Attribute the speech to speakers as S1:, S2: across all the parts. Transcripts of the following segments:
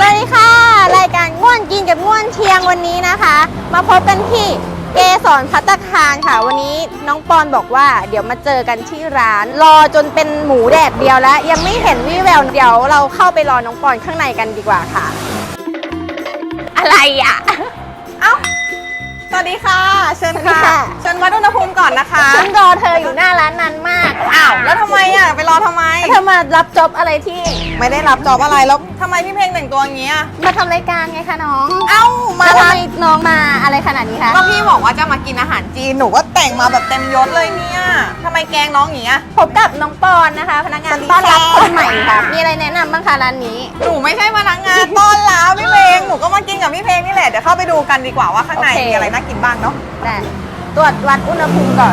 S1: วัสดีค่ะรายการง่วนกินกับง่วนเชียงวันนี้นะคะ มาพบกันที่เกสรภัตตาคารค่ะวันนี้น้องปอนบอกว่าเดี๋ยวมาเจอกันที่ร้านรอจนเป็นหมูแดดเดียวแล้วยังไม่เห็นวี่แววเดี๋ยวเราเข้าไปรอน้องปอนข้างในกันดีกว่าค่ะอะไรอ่ะ
S2: เอ้าสวัสดีค่ะเชิญค่ะเชิญวัดอุณหภูมิก่อนนะคะ
S1: ฉันรอเธออยู่หน้าร้านนานมาก
S2: อ้าวแล้วทำไมอ่ะไปรอทำไม
S1: เธอมารับจ็อบอะไรที่
S2: ไม่ได้รับจอบอะไรแล้วทำไมพี่เพลงแต่งตัวอย่างเงี้ย
S1: มาทำรายการไงคะน้อง
S2: เอ้ามา
S1: ทำไมน้องมาอะไรขนาดนี้คะ
S2: ก็พี่บอกว่าจะมากินอาหารจีนหนูก็แต่งมาแบบเต็มยศเลยเนี่ยทำไมแกงน้องอย่างเงี้ย
S1: พบกับน้องปอนนะคะพนักงานต้อนรับคนใหม่ค่ะมีอะไรแนะนำบ้างคะร้านนี้
S2: หนูไม่ใช่พนักงานต้อนรับพี่เพลงหนูก็มากินกับพี่เพลงนี่แหละเดี๋ยวเข้าไปดูกันดีกว่าว่าข้างในมีอะไรน่ากินบ้างเนาะ
S1: ได้ตรวจวัดอุณหภูมิก่อน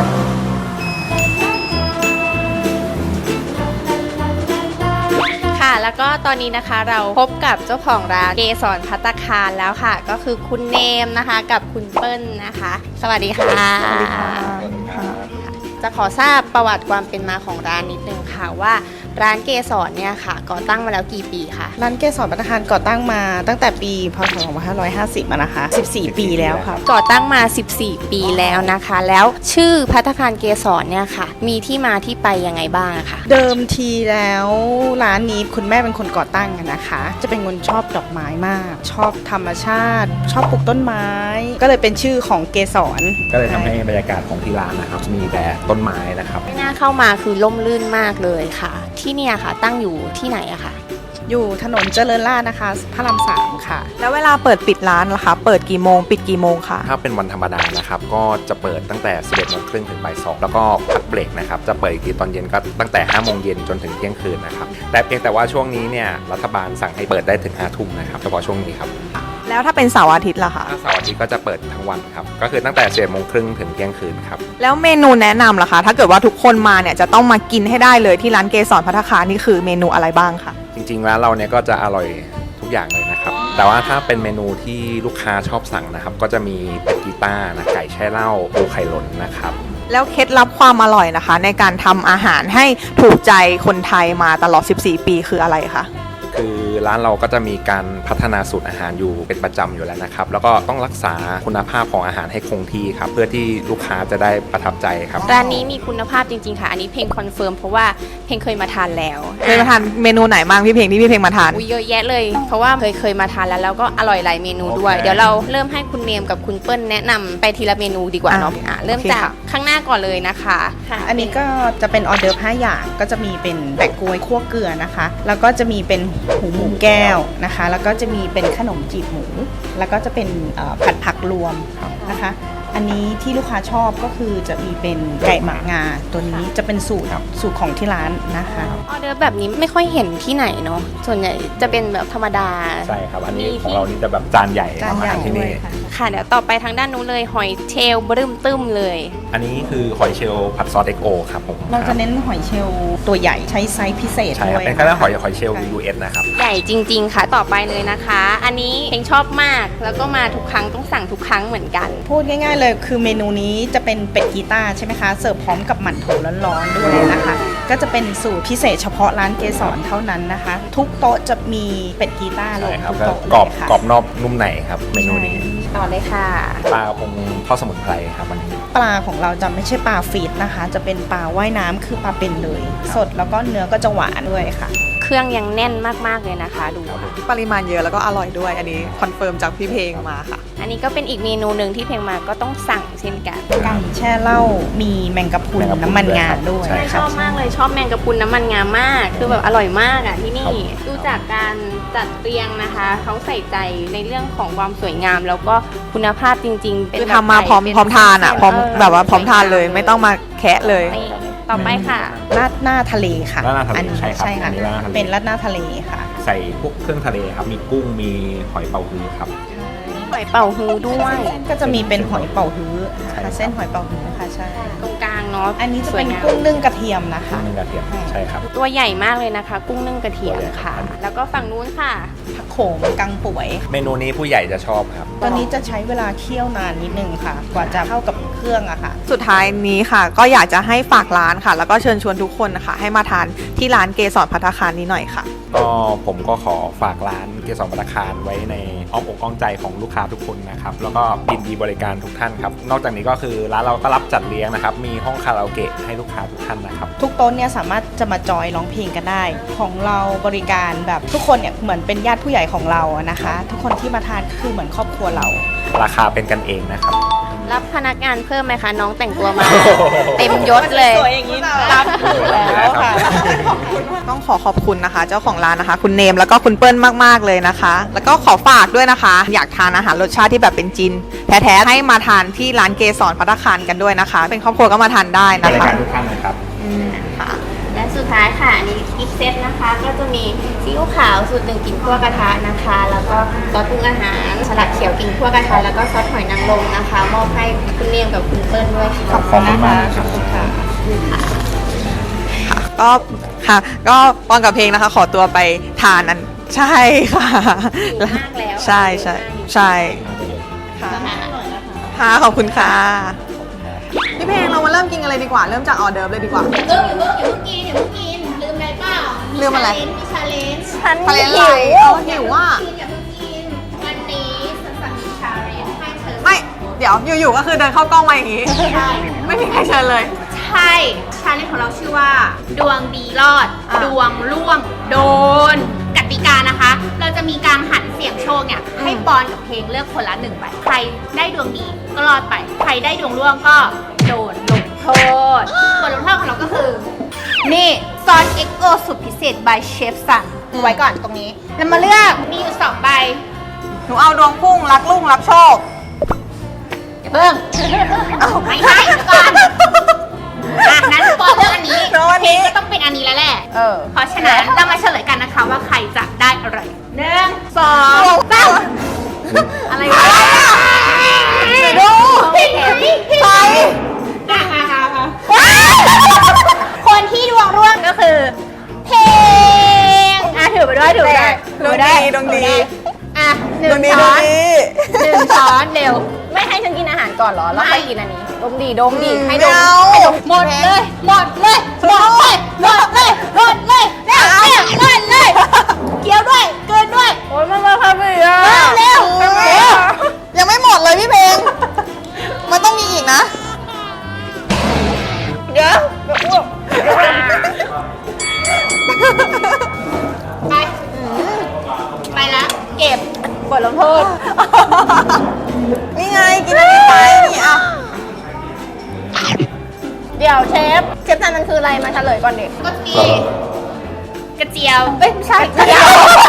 S1: ค่ะแล้วก็ตอนนี้นะคะเราพบกับเจ้าของร้านเกสรภัตตาคารแล้วค่ะก็คือคุณเนมนะคะกับคุณเปิ้ลนะคะสวัสดีค่ะ
S2: สวัสดีค่ะ
S1: จะขอทราบประวัติความเป็นมาของร้านนิดนึงค่ะว่าร้านเกสรเนี่ยค่ะก่อตั้งมาแล้วกี่ปีคะ
S3: ร้านเกสรภัตตาคารก่อตั้งมาตั้งแต่ปีพ.ศ. 2550นะคะ14 ปีแล้วค่ะ
S1: ก่อตั้งมา14 ปีแล้วนะคะแล้วชื่อภัตตาคารเกสรเนี่ยค่ะมีที่มาที่ไปยังไงบ้างคะ
S3: เดิมทีแล้วร้านนี้คุณแม่เป็นคนก่อตั้งนะคะจะเป็นคนชอบดอกไม้มากชอบธรรมชาติชอบปลูกต้นไม้ก็เลยเป็นชื่อของเกสร
S4: ก็เลยทำให้บรรยากาศของที่ร้านนะครับมีแต่ต้นไม้นะครับ
S1: ไม่น่าเข้ามาคือร่มรื่นมากเลยค่ะที่เนี่ยค่ะตั้งอยู่ที่ไหนอะคะ
S3: อยู่ถนนเจริญราษฎร์นะคะพระราม 3ค่ะ
S2: แล้วเวลาเปิดปิดร้านล่ะคะเปิดกี่โมงปิดกี่โมงคะ
S4: ถ้าเป็นวันธรรมดานะครับก็จะเปิดตั้งแต่ 11:30 ถึงบ่าย 2แล้วก็พักเบรกนะครับจะเปิดอีกทีตอนเย็นก็ตั้งแต่ 5 โมงเย็นจนถึงเที่ยงคืนนะครับแต่เพียงแต่ว่าช่วงนี้เนี่ยรัฐบาลสั่งให้เปิดได้ถึง 5 ทุ่มนะครับเฉพาะช่วงนี้ครับ
S2: แล้วถ้าเป็นเสาร์อาทิตย์ล่ะคะ
S4: ถ้าเสาร์อาทิตย์ก็จะเปิดทั้งวันครับก็คือตั้งแต่ 11:30 ถึงเที่ยงคืนครับ
S2: แล้วเมนูแนะนำล่ะคะถ้าเกิดว่าทุกคนมาเนี่ยจะต้องมากินให้ได้เลยที่ร้านเกสรภัตตาคารนี่คือเมนูอะไรบ้างคะ
S4: จริงๆร้านเราเนี่ยก็จะอร่อยทุกอย่างเลยนะครับแต่ว่าถ้าเป็นเมนูที่ลูกค้าชอบสั่งนะครับก็จะมีเป็ดกีต้านะไก่แช่เหล้าปูไข่หล่นนะครับ
S2: แล้วเคล็ดลับความอร่อยนะคะในการทำอาหารให้ถูกใจคนไทยมาตลอด14 ปีคืออะไรคะ
S4: คือร้านเราก็จะมีการพัฒนาสูตรอาหารอยู่เป็นประจำอยู่แล้วนะครับแล้วก็ต้องรักษาคุณภาพของอาหารให้คงที่ครับเพื่อที่ลูกค้าจะได้ประทับใจครับ
S1: ร้านนี้มีคุณภาพจริงๆค่ะอันนี้เพลงคอนเฟิร์มเพราะว่าเพลงเคยมาทานแล้ว
S2: เคยมาทานเมนูไหนบ้างพี่เพลงที่พี่เพลงมาทาน
S1: เยอะแยะเลยเพราะว่าเคยมาทานแล้วก็อร่อยหลายเมนูด้วยเดี๋ยวเราเริ่มให้คุณเนมกับคุณเปิ้ลแนะนำไปทีละเมนูดีกว่าเนาะเริ่มจากข้างหน้าก่อนเลยนะคะ
S3: อันนี้ก็จะเป็นออเดิร์ฟ5 อย่างก็จะมีเป็นแปะกล้วยคั่วเกลือนะคะแล้วก็จะมีเป็นหูหมูแก้วนะคะแล้วก็จะมีเป็นขนมจีบหมูแล้วก็จะเป็นผัดผักรวมนะคะอันนี้ที่ลูกค้าชอบก็คือจะมีเป็นไก่หมักงาตัวนี้จะเป็นสูตรของที่ร้านนะคะ
S1: ออเดอร์แบบนี้ไม่ค่อยเห็นที่ไหนเนาะส่วนใหญ่จะเป็นแบบธรรมดา
S4: ใช่ครับอันนี้ของเรานี่จะแบบจานใหญ่ที่นี่
S1: ค่ะเดี๋ยวต่อไปทางด้านนู้นเลยหอยเชลล์บรึมตึ้มเลย
S4: อันนี้คือหอยเชลล์ผัดซอสเอ็กโอครับผม
S3: เราจะเน้นหอยเชลล์ตัวใหญ่ใช้ไซส์พิเศษ
S4: ใช่ครับเป็นแค่หอยเชลล์ US นะครับ
S1: ใหญ่จริงๆค่ะต่อไปเลยนะคะอันนี้เพลงชอบมากแล้วก็มาทุกครั้งต้องสั่งทุกครั้งเหมือนกัน
S3: พูดง่ายๆเลยคือเมนูนี้จะเป็นเป็ดกีต้าใช่ไหมคะเสิร์ฟพร้อมกับหมั่นโถร้อนๆด้วยนะคะก็จะเป็นสูตรพิเศษเฉพาะร้านเกสรเท่านั้นนะคะทุกโต๊ะจะมีเป็ดกีต้าลงทุกโต๊ะ
S4: กรอบนอกนุ่มในครับเมนูนี้
S1: ต่อเลยค่ะ
S4: ปลาคงทอดสมุนไพรครับวันนี้
S3: ปลาของเราจะไม่ใช่ปลาฟีดนะคะจะเป็นปลาว่ายน้ำคือปลาเป็นเลยสดแล้วก็เนื้อก็จะหวานด้วยค่ะ
S1: เครื่องยังแน่นมากๆเลยนะคะดู
S2: ปริมาณเยอะแล้วก็อร่อยด้วยอันนี้คอนเฟิร์มจากพี่เพลงมาค่ะ
S1: อันนี้ก็เป็นอีกเมนูหนึ่งที่เพลงมาก็ต้องสั่งเช่นกัน
S3: ไก่แช่เหล้ามีแมงกะพรุนน้ำมันงาด้วย
S1: ชอบมากเลยชอบแมงกะพรุนน้ำมันงามากคือแบบอร่อยมากอ่ะที่นี่ดูจากการจัดเรียงนะคะเขาใส่ใจในเรื่องของความสวยงามแล้วก็คุณภาพจริงๆ
S2: คือทำมาพร้อมทานอ่ะพร้อมแบบว่าพร้อมทานเลยไม่ต้องมาแคะเลย
S1: ต่อไปค่ะ
S3: ราดหน้าทะเลค่ะ
S4: ราดหน้าทะเลใช่
S3: ค่ะเป็นราดหน้าทะเลค่ะ
S4: ใส่พวกเครื่องทะเลครับมีกุ้งมีหอยเป๋าฮื้อครับ
S1: หอยเป๋าฮื้อด้วย
S3: ก็จะมีเป็นหอยเป๋าฮื้อค่ะเส้นหอยเป๋าฮื้อค่ะใช่
S1: ตรงกลางเนาะ
S3: อันนี้จะเป็นกุ้งนึ่งกระเทียมนะคะ
S4: นึ่งกระเทียมใช่ครับ
S1: ตัวใหญ่มากเลยนะคะกุ้งนึ่งกระเทียมค่ะแล้วก็ฝั่งนู้นค่ะ
S3: ผักโขมกังป่วย
S4: เมนูนี้ผู้ใหญ่จะชอบครับ
S3: ตอนนี้จะใช้เวลาเคี่ยวนานนิดนึงค่ะกว่าจะเข้ากับเครื่องอะค่ะ
S2: สุดท้ายนี้ค่ะก็อยากจะให้ฝากร้านค่ะแล้วก็เชิญชวนทุกคนนะคะให้มาทานที่ร้านเกสรภัตตาคารนี้หน่อยค่ะ
S4: ก็ผมก็ขอฝากร้านเกสรภัตตาคารไว้ในอ้อมอกอ้อมใจของลูกค้าทุกคนนะครับแล้วก็ยินดีบริการทุกท่านครับนอกจากนี้ก็คือร้านเราก็รับจัดเลี้ยงนะครับมีห้องคาราโอเกะให้ลูกค้าทุกท่านนะครับ
S3: ทุกโต๊ะเนี่ยสามารถจะมาจอยร้องเพลงกันได้ ของเราบริการแบบทุกคนเนี่ยเหมือนเป็นญาติผู้ใหญ่ของเราอะนะคะ ทุกคนที่มาทานคือเหมือนครอบครัวเรา
S4: ราคาเป็นกันเองนะครับ
S1: รับพนักงานเพิ่มไหมคะน้องแต่งตัวมา เต็มยศเลย
S3: สวยอย่างนี้รับอยู่แล้วค่ะ
S2: ต้องขอบคุณนะคะ เจ้าของร้านนะคะ คุณเนมแล้วก็คุณเปิ้ลมากๆเลยนะคะ แล้วก็ขอฝากด้วยนะคะ อยากทานอาหารรสชาติที่แบบเป็นจีนแท้ๆให้มาทานที่ร้านเกสรภัตตาคารกันด้วยนะคะ เป็นครอบครัวก็มาทานได้
S4: บ
S2: นะ
S4: ริ
S2: คะ
S4: การทุกท่านนะครับ
S2: ค่ะ
S1: และสุดท้ายค่ะอันนี้กิฟต์เซตนะคะ ก็จะมีซีอิ๊วขาวสูตร1กลิ่นคั่วกระทะนะคะ แล้วก็ซอสปรุงอาหารสลัดเขียวกลิ่นคั่วกระทะแล้วก็ซอสหอยนางรมนะคะมอบให้คุณเนียมกับคุณเปิ้ลด้วยค่ะ
S4: ขอบคุณมากครับ
S1: ขอบคุณค่ะ
S2: ก็ค่ะก็ปอนกับเพลงนะคะ ขอตัวไปทานนั้นใช่ค่ะ
S1: หิวมากแล้ว
S2: ใช่ใช่ใช่ค่ะค่ะขอบคุณค่ะพี่เพลงเรามาเริ่มกินกันเลยดีกว่าเริ่มจากออเดิร์ฟเลยดีกว่า
S5: อย่าเพิ่งกินลืมอะไรเปล่า
S2: ลืมอะไร
S5: มีชาเลนจ์
S1: ฉัน
S2: ทะเล
S1: หิ
S2: ไหล
S1: ว
S2: หิวว่า
S5: อย่าเพิ่งกินวันนี้สันสันมีชาเลนจ์ให้เธอ
S2: ไม่เดี๋ยวอยู่ๆก็คือเดินเข้ากล้องมาอย่างนี้
S5: ใช่
S2: ไม่มีใครเชิญเลย
S5: ใช่ชาเลนจ์ของเราชื่อว่า ดวงดีรอด
S2: อ่ะ
S5: ดวงร่วง โดน กติกานะคะ เราจะมีการหันเสียงโชคเนี่ย ให้ปอนกับเพลงเลือกคนละหนึ่งใบใครได้ดวงดีก็รอดไป ใครได้ดวงร่วงก็โดนลงโทษบทลงโทษของเราก็คือ นี่ซอสเอ็กโอสุดพิเศษ by เชฟสันไว้ก่อนตรงนี้แล้วมาเลือกมีอยู่2ใบ
S2: หนูเอาดวงพุ่งรักลุ่งรับโชค
S5: อย่าเพิ่งไม่ใช่เดี๋ยวก่อนอ่ะนั้นปอนเลือกอันนี้
S2: แล้วอันนี้
S5: เพลงก็ต้องเป็นอันนี้แล้วแหละ
S2: เออ
S5: เพราะฉะนั้นเรามาเฉลยกันนะคะว่าใครจะได้อะไร1 2 3อะไรวะ
S2: ดู
S5: ผิด
S2: ใคร
S5: คนที่ดวงร่วงก็คือเพลงถือไปด้วยถือไปด้วย
S2: ดวงดีดวงดี
S5: อ่ะห
S2: ด
S5: นึ่
S2: วง
S5: ง
S2: ดีด
S5: ช้
S2: ว
S5: อง น
S2: ดี
S5: หนึ่งช้อนเร็ว
S1: ไม่ให้ฉันกินอาหารก่อนเหรอ แล้วค่อยกินอันนี้ ดมดีให้ด
S2: ไม่
S1: ม
S2: เอา
S1: ให้ดม
S5: หมดเลยหมดเลยหมดเลยหมดเลยหมดเลยเร็วเร็วหมดเลยเคี้ยวด้วยเกินด้วย
S1: โอ้ยมันมาทำอีกอ่ะ
S5: เร็ว
S2: ยังไม่หมดเลยพี่เพลง มันต้องมีอีกนะ
S1: เดี๋ยว
S5: ไปไปละเก็บบ
S1: ทลงโทษ
S2: นี่ไงกินอันนี้ไปนี่อ่ะ
S1: เดี๋ยวเชฟทานมันคืออะไรมาเฉลยก่อนเด็ก
S5: ก็มีกระเจียว
S1: เอ้ยไม่ใช่เดี๋ยว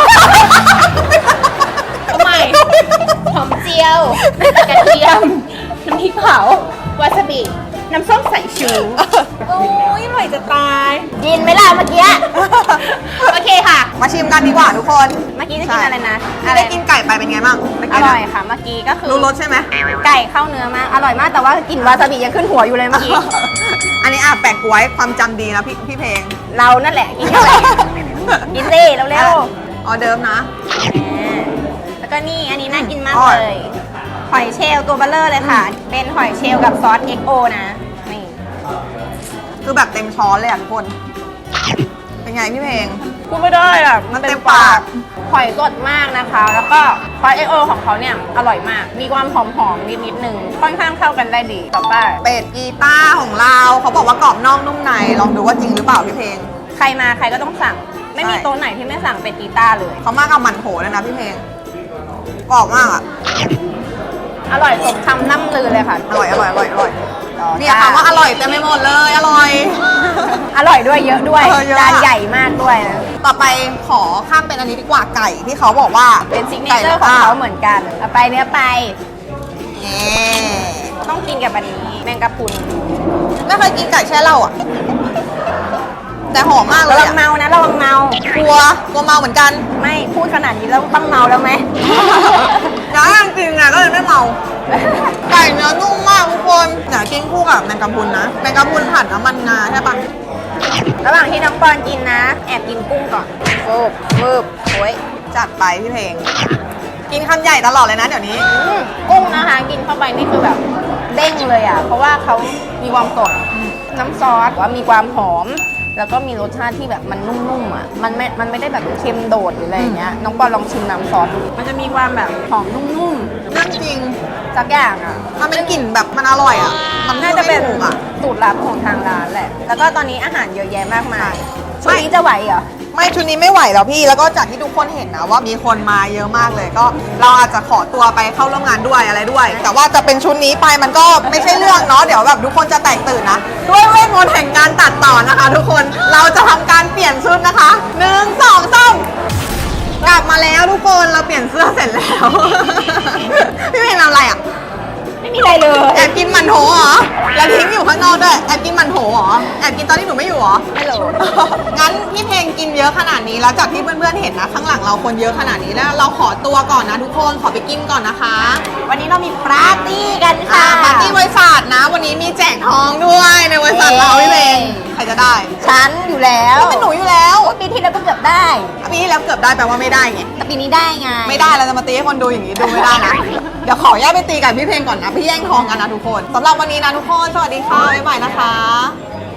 S5: ทำไมหอมเจียวกระเทียมน้ำพริกเผาวาซาบิน้ำส้มสายชู
S1: โอ้ยอร่อยจะตายกินไหมล่ะเมื่อกี้
S5: โอเคค่ะ
S2: มาชิมกันดีกว่าทุกคน
S1: เมื่อกี้จะกินอะไรนะ
S2: ที่ได้กินไก่ไปเป็นไงบ้างเมื่
S1: อ
S2: กี้
S1: ร่
S2: นะ
S1: อยค่ะ เมื่อกี้ก็คือ
S2: รู้รสใช่ไหม
S1: ไก่เข้าเนื้อมาก อร่อยมาก แต่ว่ากลิ่นวาซาบิยังขึ้นหัวอยู่เลยเมื่อกี้
S2: อันนี้แปะกล้วยความจำดีนะพี่เพลง
S1: เรานั่นแหละกินอะไรกินสิเร็ว
S2: ออเดิร์ฟนะ
S1: ๆแล้วก็นี่อันนี้น่ากินมาก
S2: อร่อย
S1: เลย หอยเชลล์ตัวเบลเลอร์เลยค่ะ เป็นหอยเชลล์กับซอส XO นะ นี่
S2: คือแบบเต็มช้อนเลยอ่ะทุกคน เป็นไงพี่เพลง
S1: พูดไม่ได้อ่ะ
S2: มันเต็มปาก
S1: หอยสดมากนะคะ แล้วก็ซอส XO ของเขาเนี่ยอร่อยมาก มีความหอมๆนิดๆนึง ค่อนข้างเข้ากันได้ดีต่อไป
S2: เป็ดกีต้าร์ของเราเขาบอกว่ากรอบนอกนุ่มในลองดูว่าจริงหรือเปล่าพี่เพลง
S1: ใครมาใครก็ต้องสั่ง ไม่มี
S2: ใช่
S1: โต๊ะไหนที่ไม่สั่งเป็ดกีต้าร์เลย
S2: เขามากับหมันโถเลยนะพี่เพลงกรอบมากอ่ะ
S1: อร่อยสมคำล่ำลือเลยค่ะ
S2: อร่อยเนี่ยคำว่าอร่อยเต็มไปหมดเลยอร่อย
S1: อร่อยด้วยเยอะด้วย
S2: เยอะ
S1: จานใหญ่มากด้วยนะ
S2: ต่อไปขอข้ามเป็นอันนี้ดีกว่าไก่ที่เขาบอกว่า
S1: เป็นซิกเนเจอร์ของเขาเหมือนกันเอาไปเนื้อไป
S2: นี่
S1: ต้องกินกับอันนี้แมงกะพรุน
S2: ไม่เคยกินไก่แช่เหล้าอ่ะ แต่หอมมากเล
S1: ระ
S2: ย
S1: วัง
S2: อะ
S1: เมานะระวังเมาก
S2: ลัวเมาเหมือนกัน
S1: ไม่พูดขนาดนี้แล้วต้องเมาแล้วไหม
S2: ย้ายจริงๆก็เลยไม่เมา ไก่เนื้อนุ่มมากทุกคนอยากกินคู่กับแมงกะพรุนนะแมงกะพรุนผัดน้ำมันงาใช่ปะ
S1: ระหว่างที่น้องปอนกินนะ แอบกินกุ้งก่อนวืบโอ้ย
S2: จัดไปพี่เพลง กินคำใหญ่ตลอดเลยนะเดี๋ยวนี้
S1: กุ้งนะคะ กินเข้าไปนี่คือแบบเด้งเลยอ่ะ เพราะว่าเขามีความสดน้ำซอสว่ามีความหอมแล้วก็มีรสชาติที่แบบมันนุ่มๆอ่ะมันไม่ได้แบบเค็มโดดหรืออะไรอย่างเงี้ยน้องปอนลองชิมน้ำซอสดูมันจะมีความแบบหอมนุ่ม
S2: เรื่องจริง
S1: ๆสักอย่างอ่ะ
S2: มันเป็นกลิ่นแบบมันอร่อยอ่ะ มัน
S1: น่าจะเป็น
S2: ไม่ถูกอ่ะ
S1: สูตรลับของทางร้านแหละ แล้วก็ตอนนี้อาหารเยอะแยะมากมายชุดนี้จะไหวเหรอ
S2: ไม่ชุดนี้ไม่ไหวแล้วพี่ แล้วก็จากที่ทุกคนเห็นนะว่ามีคนมาเยอะมากเลย ก็เราอาจจะขอตัวไปเข้าร่วมงานด้วยอะไรด้วย แต่ว่าจะเป็นชุดนี้ไปมันก็ไม่ใช่เรื่องเนาะ เดี๋ยวแบบทุกคนจะแตกตื่นนะ ด้วยเวทมนต์แห่งการตัดต่อนะคะ ทุกคน เราจะทำการเปลี่ยนชุดนะคะ1 2 3กลับมาแล้วทุกคน เราเปลี่ยนเสื้อเสร็จแล้ว พี่เพลงทำอะไรอ่ะ
S1: ไม่มีอะไรเลย
S2: แอบกินมันโถเหรอ แล้วทิ้งอยู่ข้างนอกด้วย แอบกินมันโถเหรอ แอบกินตอนที่หนูไม่อยู่เหรอ
S1: ไม่รู้
S2: งั้นพี่เพลงกินเยอะขนาดนี้แล้วจากที่เพื่อนๆเห็นนะข้างหลังเราคนเยอะขนาดนี้แล้วเราขอตัวก่อนนะทุกคนขอไปกินก่อนนะคะ
S1: วันนี้เรามีปาร์ตี้กันค่ะ
S2: ปาร์ตี้บริษัทนะ วันนี้มีแจกทองด้วยในบริษัทเราพี่เพลงใครจะได้
S1: ฉันอยู่แล้ว
S2: ก็เป็นหนูอยู่แล้ว
S1: ปีที่แล้วก็เกือบได้
S2: ปีที่แล้วเกือบได้แปลว่าไม่ได้ไง
S1: แต่ปีนี้ได้ไง
S2: ไม่ได้เราจะมาตีให้คนดูอย่างนี้ดูไม่ได้นะ เดี๋ยวขอแยกไปตีกับพี่เพลงก่อนนะพี่แย่งทองกันนะทุกคนสำหรับวันนี้นะทุกคนสวัสดีค่ะบ๊ายบายนะคะ